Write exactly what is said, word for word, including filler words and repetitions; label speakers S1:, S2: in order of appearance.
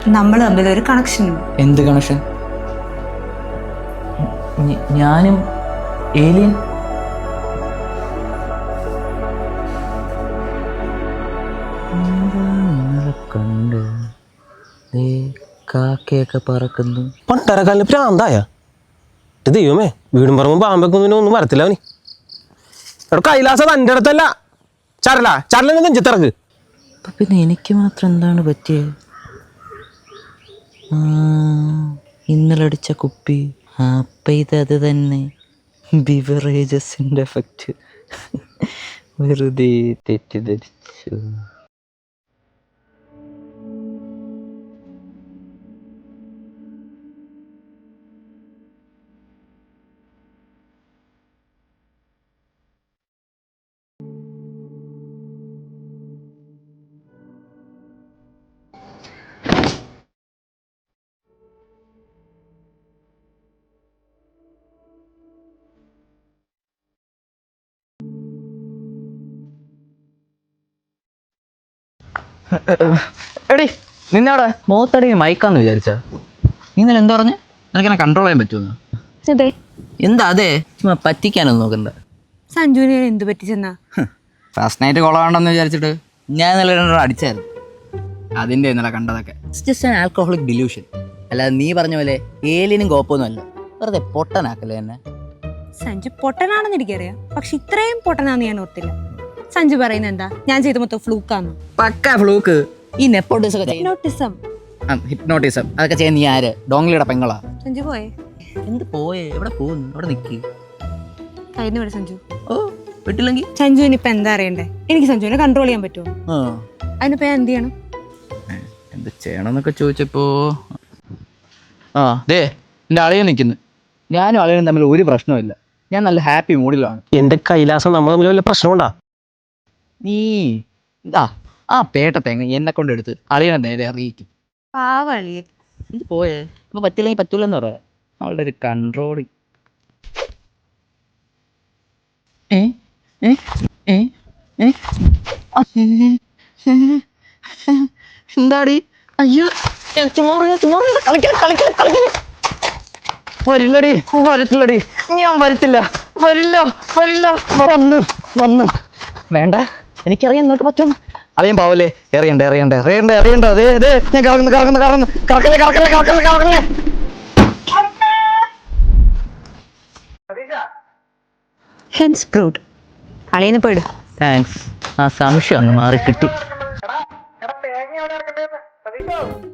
S1: നമ്മൾ തമ്മിൽ ഒരു കണക്ഷൻ ഉണ്ട്.
S2: എന്ത് കണക്ഷൻ? ഞാനും ഏലിയൻ? കണ്ട് കാക്കയൊക്കെ പറക്കുന്നു.
S3: പണ്ടരക്കാലിന് പ്രാന്തായ ദൈവമേ, വീടും പറമ്പും പാമ്പൊക്കെ ഒന്നും വരത്തില്ല അവന്. എവിടെ കൈലാസം തൻ്റെ അടുത്തല്ല, ചരല ചരല നെഞ്ചത്തിറക്ക്.
S2: അപ്പൊ പിന്നെ എനിക്ക് മാത്രം എന്താണ് പറ്റിയത്? ഇന്നലെ അടിച്ച കുപ്പി, അപ്പം ഇതത് തന്നെ, ബിവറേജസിൻ്റെ എഫക്റ്റ്. വെറുതെ തെറ്റിദ്ധരിച്ചു. എടി നിന്നവിടെ മുഖത്തടി മയക്കാന്ന് വിചാരിച്ച നീ ഇന്നലെ എന്താ പറഞ്ഞ? നിനക്കെന്നെ കൺട്രോൾ ചെയ്യാൻ പറ്റുമെന്ന്?
S1: അതെ.
S2: എന്താ അതെ? ചുമ്മാ പറ്റിക്കാനൊന്നും നോക്കണ്ട.
S1: സഞ്ജുവിനെ എന്ത് പറ്റിച്ചെന്നാ?
S2: ഫസ്റ്റ് നൈറ്റ് കൊളവാണ്ടെന്ന് വിചാരിച്ചിട്ട് ഞാൻ ഇന്നലെ രണ്ടെണ്ണം അടിച്ചായിരുന്നു. അതിൻ്റെ ഇന്നലെ കണ്ടതൊക്കെ ജസ്റ്റ് ആൻ ആൽക്കഹോളിക് ഡിലൂഷൻ. അല്ലാതെ നീ പറഞ്ഞ പോലെ ഏലിയനും കോപ്പൊന്നും അല്ല. വെറുതെ പൊട്ടനാക്കല്ലേ എന്നെ.
S1: സഞ്ജു പൊട്ടനാണെന്ന് എനിക്കറിയാം, പക്ഷെ ഇത്രയും പൊട്ടനാന്ന് ഞാൻ ഓർത്തില്ല. സഞ്ജു പറയുന്നത് എന്താ? ഞാൻ ചെയ്ത മൊത്തം ഫ്ലൂക്കാന്ന്.
S2: പക്ക ഫ്ലൂക്ക്. ഈ നെപ്പോട്ടിസം ഒക്കെ
S1: ഹിപ്നോട്ടിസം.
S2: ഹിപ്നോട്ടിസം അതൊക്കെ ചെയ്യുന്ന നീ ആര്? ഡോങ്ലിയുടെ പെങ്ങളാ.
S1: സഞ്ജു പോയേ?
S2: എന്ത് പോയേ? എവിടെ പോകുന്നു? അവിടെ നിൽക്കി.
S1: കയ്യിൽ നിന്ന് സഞ്ജു.
S2: ഓ വിട്ടില്ലെങ്കിൽ
S1: സഞ്ജുവിന് ഇപ്പൊ എന്താ അറിയണ്ടേ? എനിക്ക് സഞ്ജുവിനെ കൺട്രോൾ ചെയ്യാൻ പറ്റുമോ? അതിനിപ്പോ ഞാൻ എന്ത് ചെയ്യണം?
S2: എന്ത് ചെയ്യണമെന്നൊക്കെ ചോദിച്ചപ്പോ ആ ദേ എൻ്റെ അളിയൻ നിൽക്കുന്നു. ഞാനും അളിയനും തമ്മിൽ ഒരു പ്രശ്നമില്ല. ഞാൻ നല്ല ഹാപ്പി മൂഡിലാണ്.
S3: എന്റെ കൈലാസം നമ്മൾ തമ്മിൽ വല്ല പ്രശ്നമുണ്ടാ?
S2: നീ ഇതാ ആ പേട്ട തേങ്ങ എന്നെ കൊണ്ട് എടുത്ത് അളിയനെ നേരെ അറിയിക്കും.
S1: പാവളിയെ.
S2: എന്ത് പോയേ? ഇപ്പൊ പറ്റില്ലെങ്കിൽ പറ്റൂലെന്ന് പറയാ. അവളുടെ ഒരു കൺട്രോളിങ്. ഏ ഏ ഏ ഏ എന്താടി? അയ്യോ വരില്ലടി, വരത്തില്ലടി, ഞാൻ വരത്തില്ല, വരില്ല വരില്ല. വന്ന് വന്ന് വേണ്ട, എനിക്കറിയാം നിങ്ങൾക്ക് പറ്റും. അറിയാൻ പാവല്ലേ? എറിയണ്ട എറിയണ്ട എറിയണ്ട എറിയണ്ട. അതെ അതെ ഞാൻ കറങ്ങുന്നു കറങ്ങുന്നു കറങ്ങുന്നു കറക്കല്ലേ കറക്കല്ലേ കറക്കല്ലേ കറക്കല്ലേ.
S1: Hence proved. അളിയെന്ന് പോയിടും.
S2: താങ്ക്സ്. ആ സംശയം അങ്ങ് മാറി കിട്ടി.